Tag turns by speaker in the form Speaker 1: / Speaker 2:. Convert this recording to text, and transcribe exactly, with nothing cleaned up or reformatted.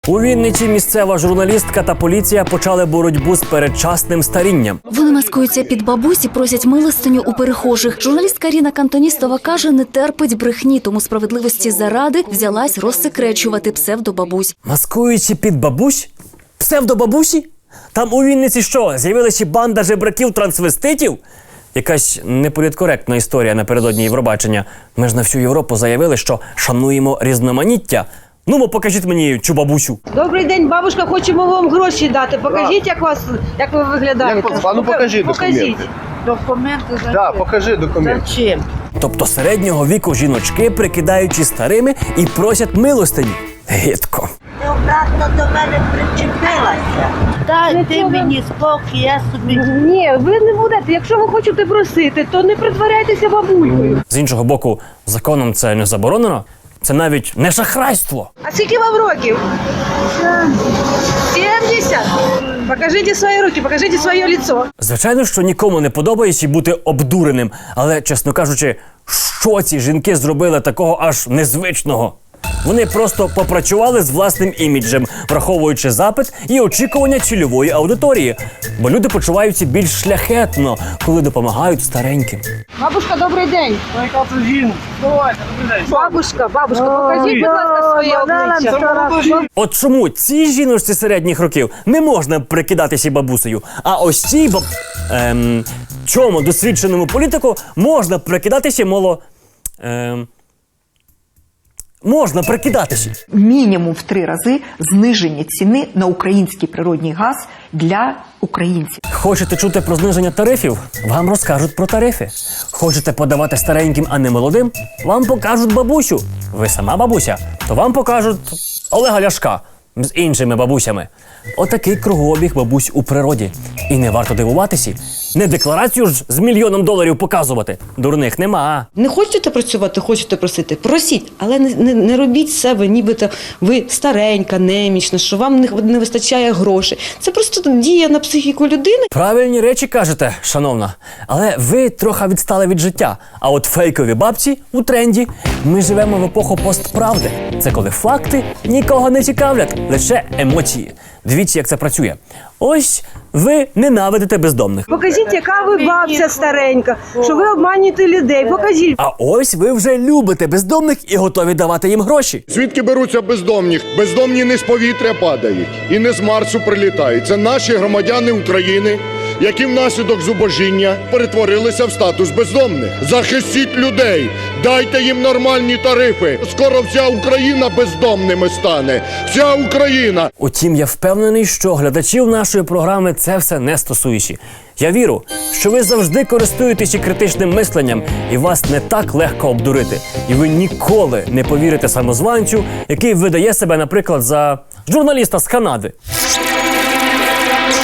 Speaker 1: У Вінниці місцева журналістка та поліція почали боротьбу з передчасним старінням.
Speaker 2: Вони маскуються під бабусь і просять милостиню у перехожих. Журналістка Ріна Кантоністова каже, не терпить брехні, тому справедливості заради взялась розсекречувати псевдобабусь.
Speaker 1: Маскуючи під бабусь? Псевдобабусі? Там у Вінниці що, з'явилася банда жебраків-трансвеститів? Якась неполіткоректна історія напередодні Євробачення. Ми ж на всю Європу заявили, що шануємо різноманіття. Ну, мо покажіть мені цю бабусю.
Speaker 3: Добрий день, бабушка, хочемо вам гроші дати. Покажіть, як вас, як ви виглядаєте.
Speaker 4: Як, а ну покажи
Speaker 3: покажіть.
Speaker 4: документи.
Speaker 3: Документи за
Speaker 4: Да, покажи документи.
Speaker 3: Зачем?
Speaker 1: Тобто середнього віку жіночки, прикидаючи старими, і просять милостині. Гидко.
Speaker 5: Ти обратно до мене причепилася. Дайте мені спокій, я собі...
Speaker 3: Ні, ви не будете. Якщо ви хочете просити, то не притворяйтеся бабулькою.
Speaker 1: З іншого боку, законом це не заборонено. Це навіть не шахрайство.
Speaker 3: А скільки вам років? сімдесят. Покажіть свої руки, покажіть своє лицо.
Speaker 1: Звичайно, що нікому не подобається бути обдуреним. Але, чесно кажучи, що ці жінки зробили такого аж незвичного? Вони просто попрацювали з власним іміджем, враховуючи запит і очікування цільової аудиторії. Бо люди почуваються більш шляхетно, коли допомагають стареньким.
Speaker 3: Бабушка, добрий день. Бабушка, бабушка, покажіть, будь ласка, своє обличчя.
Speaker 1: От чому цій жіночці середніх років не можна прикидатися бабусею, а ось цій баб... Ем... чому досвідченому політику можна прикидатися, мало... Ем... Можна прикидатися.
Speaker 6: Мінімум в три рази зниження ціни на український природний газ для українців.
Speaker 1: Хочете чути про зниження тарифів? Вам розкажуть про тарифи. Хочете подавати стареньким, а не молодим? Вам покажуть бабусю. Ви сама бабуся? То вам покажуть Олега Ляшка з іншими бабусями. Отакий кругообіг бабусь у природі. І не варто дивуватися. Не декларацію ж з мільйоном доларів показувати. Дурних нема.
Speaker 7: Не хочете працювати, хочете просити, просіть, але не, не, не робіть з себе, нібито ви старенька, немічна, що вам не, не вистачає грошей. Це просто дія на психіку людини.
Speaker 1: Правильні речі кажете, шановна. Але ви трохи відстали від життя. А от фейкові бабці у тренді. Ми живемо в епоху постправди. Це коли факти нікого не цікавлять, лише емоції. Дивіться, як це працює. Ось ви ненавидите бездомних.
Speaker 3: Покажіть, яка ви бабця старенька, що ви обманюєте людей. Покажіть.
Speaker 1: А ось ви вже любите бездомних і готові давати їм гроші.
Speaker 4: Звідки беруться бездомні? Бездомні не з повітря падають і не з Марсу прилітають. Це наші громадяни України, які внаслідок зубожіння перетворилися в статус бездомних. Захистіть людей, дайте їм нормальні тарифи. Скоро вся Україна бездомними стане. Вся Україна.
Speaker 1: Утім, я впевнений, що глядачів нашої програми це все не стосується. Я вірю, що ви завжди користуєтеся критичним мисленням і вас не так легко обдурити. І ви ніколи не повірите самозванцю, який видає себе, наприклад, за журналіста з Канади.